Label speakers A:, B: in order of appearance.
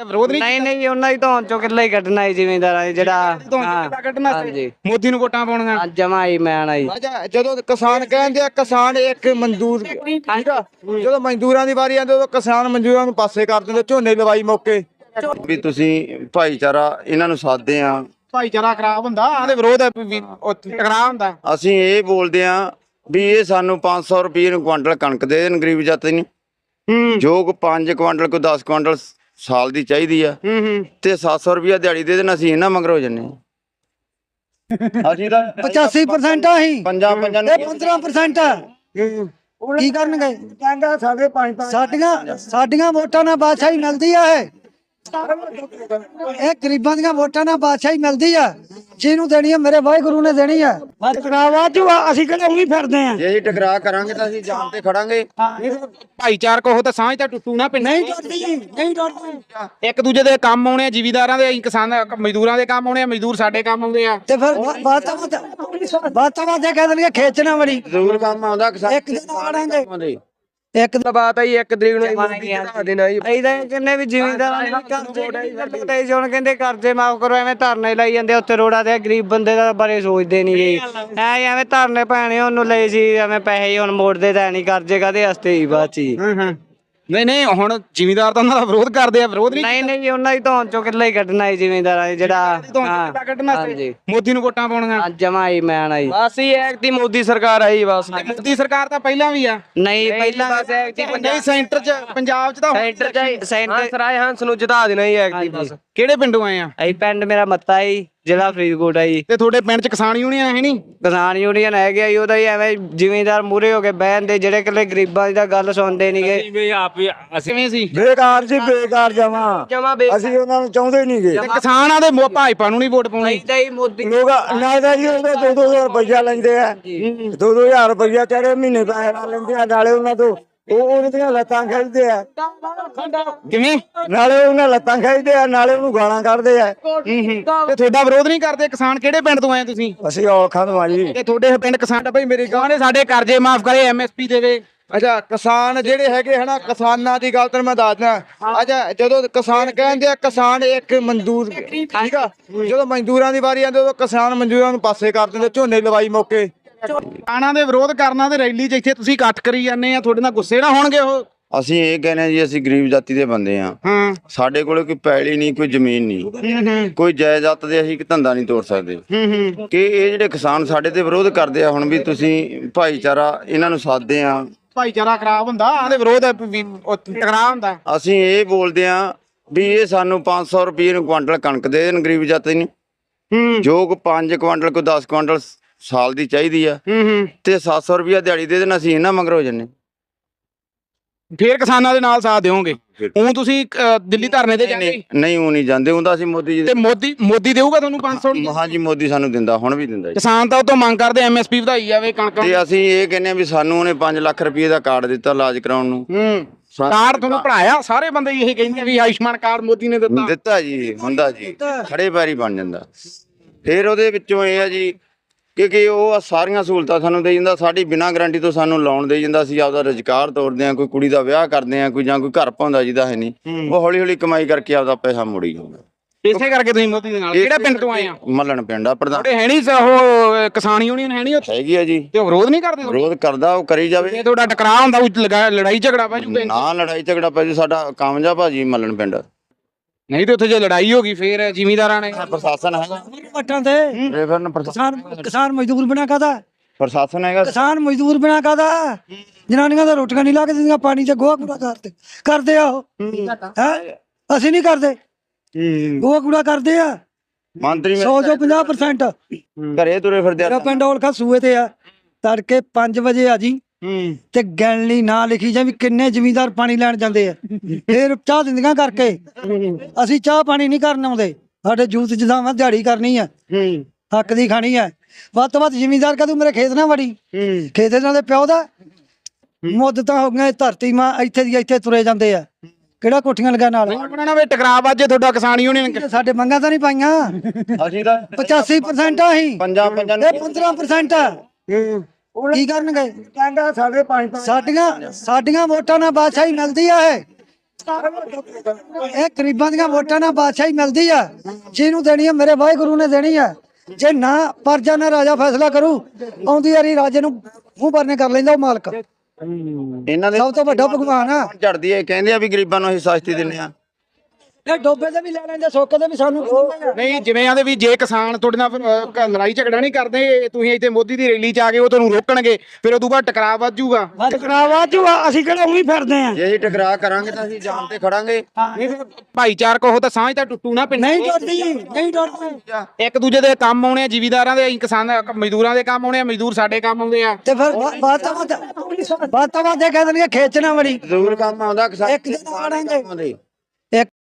A: ਵਿਰੋਧ ਨਹੀਂ
B: ਨਹੀਂ ਉਹਨਾਂ ਦੀ ਧੌਣ ਚੋਂ ਕਿੱਲਾ ਹੀ ਕੱਢਣਾ ਹੈ ਜ਼ਿਮੀਂਦਾਰਾਂ ਜਿਹੜਾ
A: ਕੱਢਣਾ ਸੀ ਮੋਦੀ ਨੂੰ ਵੋਟਾਂ ਪਾਉਣੀਆਂ
B: ਜਮਾ ਹੀ ਮੈਂ ਆਈ।
C: ਜਦੋਂ ਕਿਸਾਨ ਕਹਿੰਦੇ ਆ ਕਿਸਾਨ ਇੱਕ ਮਜ਼ਦੂਰ ਠੀਕ ਆ, ਜਦੋਂ ਮਜ਼ਦੂਰਾਂ ਦੀ ਵਾਰੀ ਆਉਂਦੀ ਉਦੋਂ ਕਿਸਾਨ ਮਜ਼ਦੂਰਾਂ ਨੂੰ ਪਾਸੇ ਕਰ ਦਿੰਦੇ, ਝੋਨੇ ਲਵਾਈ ਮੌਕੇ
D: ਵੀ ਤੁਸੀਂ ਭਾਈਚਾਰਾ ਇਹਨਾਂ ਨੂੰ ਸਾਧਦੇ ਆ,
A: ਭਾਈਚਾਰਾ ਖਰਾਬ ਹੁੰਦਾ ਆਦੇ ਵਿਰੋਧ ਟਕਰਾਅ ਹੁੰਦਾ।
D: ਅਸੀਂ ਇਹ ਬੋਲਦੇ ਆ ਵੀ ਇਹ ਸਾਨੂੰ 500 ਰੁਪਏ ਨੂੰ ਕੁਆਂਟਲ ਕਣਕ ਦੇ ਦੇਣ ਗਰੀਬ ਜਾਤੀ ਨੂੰ, ਜੋ ਕੋ 5 ਕੁਆਂਟਲ ਕੋ 10 ਕੁਆਂਟਲ ਸਾਲ ਦੀ ਚਾਹੀਦੀ ਆ, ਤੇ 700 ਰੁਪਇਆ ਦਿਹਾੜੀ ਦੇ ਦੇਣ। ਅਸੀਂ ਇਹਨਾਂ ਮਗਰ ਹੋ ਜੰਨੇ ਅਸੀਂ ਤਾਂ
E: 85% ਆਹੀ 15% ਕੀ ਕਰਨਗੇ?
C: ਕਹਿੰਦਾ ਸਾਡੇ 5
E: ਸਾਡੀਆਂ ਵੋਟਾਂ ਨਾਲ ਬਾਦਸ਼ਾਹੀ ਮਿਲਦੀ ਆ। ਇਹ ਗਰੀਬਾਂ ਦੀਆਂ ਵੋਟਾਂ ਨਾਲ ਬਾਦਸ਼ਾਹੀ ਮਿਲਦੀ ਆ, ਜਿਹਨੂੰ ਦੇਣੀ ਆ ਮੇਰੇ ਵਾਹਿਗੁਰੂ ਨੇ ਦੇਣੀ ਆ। ਅਸੀਂ ਕਿਹੜੇ ਉਹੀ ਫਿਰਦੇ ਆ।
D: ਜੇ ਅਸੀਂ ਟਕਰਾਅ ਕਰਾਂਗੇ ਤਾਂ ਅਸੀਂ ਜਾਨ ਤੇ ਖੜਾਂਗੇ।
A: ਭਾਈਚਾਰਕ ਉਹ ਤਾਂ ਸਾਂਝ ਤਾਂ ਟੁੱਟੂ ਨਾ ਪਿੰਡ।
E: ਨਹੀਂ ਟੁੱਟਦੀ।
A: ਇੱਕ ਦੂਜੇ ਦੇ ਕੰਮ ਆਉਣੇ ਆ, ਜ਼ਿਮੀਦਾਰਾਂ ਦੇ, ਕਿਸਾਨ ਮਜ਼ਦੂਰਾਂ ਦੇ ਕੰਮ ਆਉਣੇ ਆ, ਮਜ਼ਦੂਰ ਸਾਡੇ ਕੰਮ ਆਉਂਦੇ ਆ।
E: ਤੇ ਫਿਰ ਬਾਤਾਂ ਦੇ ਕਹਿ ਦੇਣਗੇ ਖੇਚਣਾ ਬੜੀ
D: ਜ਼ਰੂਰ ਕੰਮ ਆਉਂਦਾ ਕਿਸਾਨ
E: ਇੱਕ ਦਿਨ ਆੜਾਂਗੇ।
B: ਇੱਕ ਬਾਤ ਆਈ ਇੱਕ ਤਰੀਕ ਨੂੰ ਇਹਦਾ ਕਿੰਨੇ ਵੀ ਜ਼ਿਮੀਂਦਾਰਾਂ ਨੇ ਕਰਜ਼ੇ ਹੁਣ ਕਹਿੰਦੇ ਕਰਜ਼ੇ ਮਾਫ ਕਰੋ, ਐਵੇਂ ਧਰਨੇ ਲਾਈ ਜਾਂਦੇ ਉੱਥੇ ਰੋਡਾਂ ਤੇ। ਗਰੀਬ ਬੰਦੇ ਦਾ ਬਾਰੇ ਸੋਚਦੇ ਨਹੀਂ ਜੀ, ਐਵੇਂ ਧਰਨੇ ਪੈਣੇ ਉਹਨੂੰ ਲਈ ਸੀ, ਐਵੇਂ ਪੈਸੇ ਹੁਣ ਮੋੜਦੇ ਤਾਂ ਨਹੀਂ, ਕਰਜ਼ੇ ਕਾਹਦੇ ਵਾਸਤੇ ਹੀ ਬਾਅਦ ਚ।
A: ਨਹੀਂ ਹੁਣ ਜ਼ਿਮੀਦਾਰ ਤਾਂ ਉਹਨਾਂ ਦਾ ਵਿਰੋਧ ਕਰਦੇ ਆ। ਵਿਰੋਧ
B: ਨਹੀਂ ਉਹਨਾਂ ਦੀ ਧੌਣ ਚੋਂ ਕਿੱਲਾ ਹੀ ਕੱਢਣਾ ਹੈ ਜ਼ਿਮੀਂਦਾਰਾਂ ਜਿਹੜਾ
A: ਕੱਢਣਾ ਸੀ ਮੋਦੀ ਨੂੰ ਵੋਟਾਂ ਪਾਉਣੀਆਂ।
B: ਜਮਾ ਹੀ ਮੈਂ ਆਈ
F: ਬਸ ਹੀ ਐਕਟੀ ਮੋਦੀ ਸਰਕਾਰ ਆਈ ਬਸ।
A: ਮੋਦੀ ਸਰਕਾਰ ਤਾਂ ਪਹਿਲਾਂ ਵੀ ਆ।
B: ਨਹੀਂ ਪਹਿਲਾਂ
A: ਨਹੀਂ ਸੈਂਟਰ ਚ ਪੰਜਾਬ ਚ ਤਾਂ
F: ਸੈਂਟਰ ਰਾਏ ਹੰਸ ਨੂੰ ਜਿਤਾ ਦੇਣਾ ਹੀ ਐਕਟੀ ਬਸ।
A: ਕਿਹੜੇ ਪਿੰਡੋਂ ਆਏ ਆ?
B: ਅਸੀਂ ਪਿੰਡ ਮੇਰਾ ਮੱਤਾ ਜੀ, ਜ਼ਿਲ੍ਹਾ ਫਰੀਦਕੋਟ ਆ ਜੀ।
A: ਤੇ ਤੁਹਾਡੇ ਪਿੰਡ ਚ ਕਿਸਾਨ ਯੂਨੀਅਨ ਹੈ ਨੀ?
B: ਕਿਸਾਨ ਯੂਨੀਅਨ ਹੈਗੇ ਆ ਜੀ, ਉਹਦਾ ਹੀ ਐਵੇਂ ਜ਼ਿਮੀਂਦਾਰ ਮੂਰੇ ਹੋ ਕੇ ਬਹਿੰਦੇ, ਜਿਹੜੇ ਇਕੱਲੇ ਗਰੀਬਾਂ ਦੀ ਤਾਂ ਗੱਲ ਸੁਣਦੇ ਨਹੀਂਗੇ।
A: ਕਿਵੇਂ ਸੀ?
C: ਬੇਕਾਰ ਜੀ, ਬੇਕਾਰ ਜਮਾ ਅਸੀਂ ਉਹਨਾਂ ਨੂੰ ਚਾਹੁੰਦੇ ਨਹੀਂਗੇ।
A: ਕਿਸਾਨਾਂ ਦੇ ਭਾਜਪਾ ਨੂੰ ਨਹੀਂ ਵੋਟ ਪਾਉਣੀ।
B: ਮੋਦੀ
C: ਲੋਕ ਨਾ ਤਾਂ ਜੀ ਉਹਦੇ 2-2 ਰੁਪਇਆ ਲੈਂਦੇ ਆ, 2-2000 ਰੁਪਇਆ ਚਾਰੇ ਮਹੀਨੇ ਪੈਸੇ ਲਾ ਲੈਂਦੇ ਆ, ਨਾਲੇ ਉਹਨਾਂ ਤੋਂ ਉਹਨਾਂ ਦੀਆਂ ਲੱਤਾਂ ਖਿੱਚਦੇ ਆ।
A: ਕਿਵੇਂ?
C: ਨਾਲੇ ਉਹਨਾਂ ਲੱਤਾਂ ਖਿੱਚਦੇ ਆ, ਨਾਲੇ ਉਹਨੂੰ ਗਾਲਾਂ ਕੱਢਦੇ ਆ।
A: ਤੇ ਤੁਹਾਡਾ ਵਿਰੋਧ ਨਹੀਂ ਕਰਦੇ ਕਿਸਾਨ? ਕਿਹੜੇ ਪਿੰਡ ਤੋਂ ਆਏ ਤੁਸੀਂ?
C: ਅਸੀਂ ਔਲਖਾਂ ਤੋਂ ਆ ਜੀ।
A: ਤੇ ਤੁਹਾਡੇ ਪਿੰਡ ਕਿਸਾਨ ਭਾਈ ਮੇਰੇ ਗਾਂ ਨੇ ਸਾਡੇ ਕਰਜ਼ੇ ਮਾਫ ਕਰੇ, ਐਮਐਸਪੀ ਦੇਵੇ।
C: ਅੱਛਾ ਕਿਸਾਨ ਜਿਹੜੇ ਹੈਗੇ ਹਨਾ, ਕਿਸਾਨਾਂ ਦੀ ਗੱਲ ਤੈਨੂੰ ਮੈਂ ਦੱਸਦਾ। ਅੱਛਾ ਜਦੋਂ ਕਿਸਾਨ ਕਹਿੰਦੇ ਆ ਕਿਸਾਨ ਇੱਕ ਮਜ਼ਦੂਰ ਠੀਕ ਆ, ਜਦੋਂ ਮਜ਼ਦੂਰਾਂ ਦੀ ਵਾਰੀ ਆਉਂਦੀ ਉਦੋਂ ਕਿਸਾਨ ਮਜ਼ਦੂਰਾਂ ਨੂੰ ਪਾਸੇ ਕਰ ਦਿੰਦੇ, ਝੋਨੇ ਲਵਾਈ ਮੌਕੇ।
A: ਕਿਸਾਨਾਂ ਦੇ ਵਿਰੋਧ ਕਰਨਾ ਤੇ ਰੈਲੀ 'ਚ ਇੱਥੇ ਤੁਸੀਂ ਇਕੱਠ ਕਰੀ ਜਾਂਦੇ ਆ, ਤੁਹਾਡੇ ਨਾਲ ਗੁੱਸੇ ਨਾ ਹੋਣਗੇ ਉਹ?
D: ਅਸੀਂ ਇਹ ਕਹਿੰਦੇ ਆ ਜੀ, ਅਸੀਂ ਗਰੀਬ ਜਾਤੀ ਦੇ ਬੰਦੇ ਆ। ਸਾਡੇ ਕੋਲੇ ਕੋਈ ਪੈਲੀ ਨਹੀਂ, ਕੋਈ ਜ਼ਮੀਨ ਨਹੀਂ, ਕੋਈ ਜਾਇਦਾਦ ਦੇ ਅਸੀਂ ਧੰਦਾ ਨਹੀਂ ਤੋੜ ਸਕਦੇ। ਕਿ ਇਹ ਜਿਹੜੇ ਕਿਸਾਨ ਸਾਡੇ ਤੇ ਵਿਰੋਧ ਕਰਦੇ ਆ ਹੁਣ ਵੀ ਤੁਸੀਂ ਭਾਈਚਾਰਾ ਇਹਨਾਂ ਨੂੰ ਸਾਧਦੇ ਆ,
A: ਭਾਈਚਾਰਾ ਖਰਾਬ ਹੁੰਦਾ ਆਦੇ ਵਿਰੋਧ ਟਕਰਾਅ ਹੁੰਦਾ।
D: ਅਸੀਂ ਇਹ ਬੋਲਦੇ ਆ ਵੀ ਇਹ ਸਾਨੂੰ 500 ਰੁਪਏ ਨੂੰ ਕੁਆਂਟਲ ਕਣਕ ਦੇ ਦੇਣ ਗਰੀਬ ਜਾਤੀ ਨੂੰ, ਜੋ ਕੋ 5 ਕੁਆਂਟਲ ਕੋ 10 ਕੁਆਂਟਲ ਸਾਲ ਦੀ ਚਾਹੀਦੀ ਆ, ਤੇ 700 ਰੁਪਇਆ ਦਿਹਾੜੀ ਦੇ ਦੇਣ। ਅਸੀਂ ਇਹਨਾਂ ਮਗਰ ਹੋ ਜੰਨੇ।
A: ਫੇਰ ਕਿਸਾਨਾਂ ਦੇ ਨਾਲ ਸਾਥ ਦਿਓਗੇ? ਉਹ ਤੁਸੀਂ ਦਿੱਲੀ ਧਰਨੇ ਤੇ ਜਾਂਦੇ?
D: ਨਹੀਂ ਉਹ ਨਹੀਂ ਜਾਂਦੇ, ਹੁੰਦਾ ਅਸੀਂ ਮੋਦੀ ਜੀ
A: ਤੇ ਮੋਦੀ ਦੇਊਗਾ ਤੁਹਾਨੂੰ 500?
D: ਹਾਂਜੀ ਮੋਦੀ ਸਾਨੂੰ ਦਿੰਦਾ, ਹੁਣ ਵੀ ਦਿੰਦਾ ਜੀ।
A: ਕਿਸਾਨ ਤਾਂ ਉਹ ਤੋਂ ਮੰਗ ਕਰਦੇ ਐਮਐਸਪੀ ਵਧਾਈ ਜਾਵੇ ਕਣਕ
D: ਤੇ ਅਸੀਂ ਇਹ ਕਹਿੰਦੇ ਆ ਵੀ ਸਾਨੂੰ ਉਹਨੇ 5 ਲੱਖ ਰੁਪਏ ਦਾ ਕਾਰਡ ਦਿੱਤਾ ਇਲਾਜ ਕਰਾਉਣ ਨੂੰ।
A: ਕਾਰਡ ਤੁਹਾਨੂੰ ਪੜਾਇਆ? ਸਾਰੇ ਬੰਦੇ ਇਹ ਕਹਿੰਦੇ ਵੀ ਆਯੁਸ਼ਮਾਨ ਕਾਰਡ ਮੋਦੀ ਨੇ
D: ਦਿੱਤਾ ਜੀ, ਹੁੰਦਾ ਜੀ, ਖੜੇ ਪੈਰੀ ਬਣ ਜਾਂਦਾ। ਫਿਰ ਉਹਦੇ ਵਿੱਚੋਂ ਇਹ ਆ ਜੀ ਕਿ ਉਹ ਸਾਰੀਆਂ ਸਹੂਲਤਾਂ ਸਾਨੂੰ ਦੇ ਜਾਂਦਾ, ਸਾਡੀ ਬਿਨਾਂ ਗਾਰੰਟੀ ਤੋਂ ਸਾਨੂੰ ਲੋਨ ਦੇ ਜਾਂਦਾ। ਅਸੀਂ ਆਪਦਾ ਰੁਜ਼ਗਾਰ ਤੋੜਦੇ ਆ, ਕੋਈ ਕੁੜੀ ਦਾ ਵਿਆਹ ਕਰਦੇ ਆ, ਕੋਈ ਜਾਂ ਕੋਈ ਘਰ ਪਾਉਂਦਾ ਜਿਹਦਾ ਹੈ ਨਹੀਂ, ਉਹ ਹੌਲੀ ਹੌਲੀ ਕਮਾਈ ਕਰਕੇ ਆਪਦਾ ਪੈਸਾ ਮੋੜੀ ਜਾਂਦਾ।
A: ਇਸੇ ਕਰਕੇ ਤੁਸੀਂ ਮੋਦੀ ਦੇ ਨਾਲ? ਕਿਹੜਾ ਪਿੰਡ ਤੋਂ ਆਏ ਆ?
D: ਮੱਲਣ ਪਿੰਡ ਆ। ਪ੍ਰਧਾਨ
A: ਹੈ ਨਹੀਂ ਉਹ ਕਿਸਾਨ ਯੂਨੀਅਨ ਹੈ ਨਹੀਂ ਉੱਥੇ?
D: ਹੈਗੀ ਆ ਜੀ।
A: ਤੇ ਵਿਰੋਧ ਨਹੀਂ ਕਰਦੇ?
D: ਵਿਰੋਧ ਕਰਦਾ, ਉਹ ਕਰੀ ਜਾਵੇ।
A: ਤੁਹਾਡਾ ਟਕਰਾਅ ਹੁੰਦਾ, ਲੜਾਈ ਝਗੜਾ ਪੈ ਜੂਗਾ?
D: ਨਾ ਲੜਾਈ ਝਗੜਾ ਪੈ ਜੂ, ਸਾਡਾ ਕਾਮਯਾਬ ਆ ਜੀ ਮੱਲਣ ਪਿੰਡ।
A: ਨਹੀਂ ਤੇ ਉੱਥੇ ਜੇ ਲੜਾਈ ਹੋ ਗਈ ਫੇਰ ਜ਼ਿਮੀਂਦਾਰਾਂ ਨੇ?
D: ਪ੍ਰਸ਼ਾਸਨ ਹੈਗਾ
E: ਵਟਾਂ ਤੇ ਕਿਸਾਨ ਮਜ਼ਦੂਰ ਬਿਨਾ ਕਾਹਦਾ?
D: ਪ੍ਰਸ਼ਾਸਨ ਹੈਗਾ।
E: ਕਿਸਾਨ ਮਜ਼ਦੂਰ ਬਿਨਾ ਕਾਹਦਾ? ਜਨਾਨੀਆਂ ਦਾ ਰੋਟੀਆਂ ਨਹੀਂ ਲਾ ਕੇ ਦਿੰਦੀਆਂ, ਪਾਣੀ ਚ ਗੋਹਾ ਕੂੜਾ ਕਰਦੇ ਆ ਉਹ। ਅਸੀਂ ਨਹੀਂ ਕਰਦੇ, ਗੋਹਾ ਕੂੜਾ ਕਰਦੇ ਆ।
D: ਮੰਤਰੀ
E: 100 ਚੋਂ 50%
D: ਘਰੇ ਤੁਰੇ ਫਿਰਦੇ
E: ਮੇਰਾ ਪਿੰਡ ਔਲਖਾ ਸੂਏ ਤੇ ਆ। ਤੜਕੇ 5 ਵਜੇ ਆ ਜੀ, ਤੇ ਗਿਣਲੀ ਨਾ ਲਿਖੀ ਜਾਂ ਵੀ ਕਿੰਨੇ ਜ਼ਮੀਂਦਾਰ ਪਾਣੀ ਲੈਣ ਜਾਂਦੇ ਆ, ਫੇਰ ਚਾਹ ਦਿੰਦੀਆਂ ਕਰਕੇ। ਅਸੀਂ ਚਾਹ ਪਾਣੀ ਨਹੀਂ ਕਰਨ ਆਉਂਦੇ, ਸਾਡੇ ਜੂਤ ਜਿੱਦਾਂ ਵਾ ਦਿਹਾੜੀ ਕਰਨੀ ਆ, ਹੱਕ ਦੀ ਖਾਣੀ ਆ। ਵੱਧ ਤੋਂ ਵੱਧ ਜ਼ਮੀਂਦਾਰ ਕਦੋਂ ਮੇਰੇ ਖੇਤ ਨਾ ਵੜੀ, ਖੇਤ ਇਹਨਾਂ ਦੇ ਪਿਓ ਦਾ ਮੁੱਦਤਾਂ ਹੋ ਗਈਆਂ। ਧਰਤੀ ਮਾਂ ਇੱਥੇ ਦੀ ਇੱਥੇ ਤੁਰੇ ਜਾਂਦੇ ਆ, ਕਿਹੜਾ ਕੋਠੀਆਂ ਲਗਾ ਨਾਲ
A: ਟਕਰਾਅ ਵਾਜੇ ਤੁਹਾਡਾ ਕਿਸਾਨ ਯੂਨੀਅਨ?
E: ਸਾਡੇ ਮੰਗਾਂ ਤਾਂ ਨਹੀਂ ਪਾਈਆਂ।
D: ਅਸੀਂ ਤਾਂ
E: 85% ਆਹੀ
C: 15%
E: ਕੀ ਕਰਨਗੇ?
C: ਕਹਿੰਦਾ ਸਾਡੇ 5
E: ਸਾਡੀਆਂ ਵੋਟਾਂ ਨਾਲ ਬਾਦਸ਼ਾਹੀ ਮਿਲਦੀ ਆ। ਇਹ ਇਹ ਗਰੀਬਾਂ ਦੀਆਂ ਵੋਟਾਂ ਨਾਲ ਬਾਦਸ਼ਾਹੀ ਮਿਲਦੀ ਆ, ਜਿਹਨੂੰ ਦੇਣੀ ਆ ਮੇਰੇ ਵਾਹਿਗੁਰੂ ਨੇ ਦੇਣੀ ਆ। ਜੇ ਨਾ ਪਰਜਾ ਨਾ ਰਾਜਾ ਫੈਸਲਾ ਕਰੂ, ਆਉਂਦੀ ਵਾਰੀ ਰਾਜੇ ਨੂੰ ਮੂੰਹ ਭਰਨੇ ਕਰ ਲੈਂਦਾ ਉਹ ਮਾਲਕ।
D: ਇਹਨਾਂ ਦੇ
E: ਸਭ ਤੋਂ ਵੱਡਾ ਭਗਵਾਨ ਆ।
D: ਝੜਦੀ ਹੈ, ਕਹਿੰਦੇ ਆ ਵੀ ਗਰੀਬਾਂ ਨੂੰ ਅਸੀਂ ਸਸਤੀ ਦਿੰਨੇ ਆ।
E: ਇਹ ਡੋਬੇ ਦੇ ਵੀ ਲੈ ਲੈਂਦੇ, ਸੋਕੇ ਦੇ ਵੀ ਸਾਨੂੰ
A: ਨਹੀਂ ਜਿਵੇਂ ਆਂਦੇ ਵੀ ਜੇ ਕਿਸਾਨ ਤੁਹਾਡੇ ਨਾਲ ਲੜਾਈ ਝਗੜਾ ਨਹੀਂ ਕਰਦੇ, ਤੁਸੀਂ ਇੱਥੇ ਮੋਦੀ ਦੀ ਰੈਲੀ 'ਚ ਆ ਗਏ, ਉਹ ਤੁਹਾਨੂੰ ਰੋਕਣਗੇ, ਫਿਰ ਉਦੋਂ ਬਾਅਦ ਟਕਰਾਅ ਵੱਧ ਜਾਊਗਾ।
E: ਟਕਰਾਵਾ ਚ ਅਸੀਂ ਕਿਹੜਾ ਉਹੀ ਫਿਰਦੇ ਆ।
D: ਜੇ ਅਸੀਂ ਟਕਰਾਅ ਕਰਾਂਗੇ ਤਾਂ ਅਸੀਂ ਜਾਨ ਤੇ ਖੜਾਂਗੇ।
A: ਨਹੀਂ ਫਿਰ ਭਾਈਚਾਰਕ ਉਹ ਤਾਂ ਸਾਂਝ ਤਾਂ ਟੁੱਟੂ ਨਾ ਪਿੰਡ।
E: ਨਹੀਂ ਟੁੱਟਦੀ, ਨਹੀਂ ਟੁੱਟਦੀ।
A: ਇੱਕ ਦੂਜੇ ਦੇ ਕੰਮ ਆਉਣੇ ਆ, ਜ਼ਿਮੀਦਾਰਾਂ ਦੇ, ਕਿਸਾਨਾਂ ਮਜ਼ਦੂਰਾਂ ਦੇ ਕੰਮ ਆਉਣੇ ਆ, ਮਜ਼ਦੂਰ ਸਾਡੇ ਕੰਮ ਆਉਂਦੇ ਆ।
E: ਤੇ ਫਿਰ ਬਾਤ ਤਾਂ ਇਹ ਕਹਿ ਦੇਣਗੇ ਖੇਚ ਨਾ ਵੜੀ।
D: ਜ਼ਰੂਰ ਕੰਮ ਆਉਂਦਾ ਕਿਸਾਨ
E: ਇੱਕ ਦਿਨ ਆਉਣਗੇ।
D: ਆਉਂਦੇ।